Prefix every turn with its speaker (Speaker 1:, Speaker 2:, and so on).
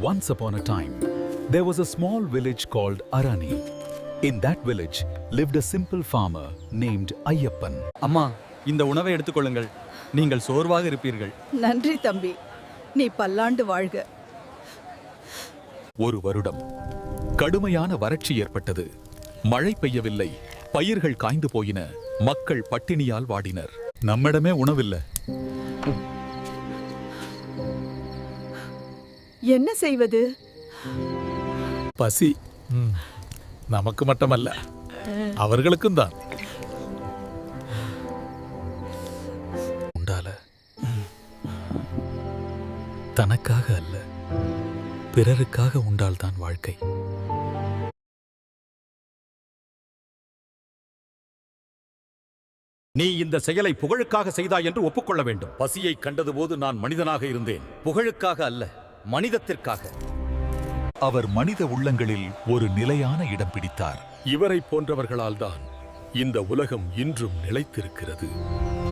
Speaker 1: Once upon a time, there was a small village called Arani. In that village lived a simple farmer named Ayyappan.
Speaker 2: அம்மா, இந்த உணவை எடுத்துக்கொள்ளுங்கள். நீங்கள் சோர்வாக இருப்பீர்கள்.
Speaker 3: நன்றி தம்பி, நீ பல்லாண்டு வாழ்க.
Speaker 1: ஒரு வருடம் கடுமையான வறட்சி ஏற்பட்டது. மழை பெய்யவில்லை, பயிர்கள் காய்ந்து போயின, மக்கள் பட்டினியால் வாடினர். நம்மிடமே உணவில்லை.
Speaker 3: என்ன செய்வது?
Speaker 4: பசி நமக்கு மட்டுமல்ல, அவர்களுக்கும் தான். உண்டால தனக்காக அல்ல, பிறருக்காக உண்டால்தான் வாழ்க்கை.
Speaker 5: நீ இந்த செயலை புகழுக்காக செய்தாய் என்று ஒப்புக்கொள்ள வேண்டும். பசியை கண்டதுபோது நான் மனிதனாக இருந்தேன்.
Speaker 2: புகழுக்காக அல்ல, மனிதத்திற்காக.
Speaker 1: அவர் மனித உள்ளங்களில் ஒரு நிலையான இடம் பிடித்தார்.
Speaker 5: இவரை போன்றவர்களால் தான் இந்த உலகம் இன்றும் நிலைத்திருக்கிறது.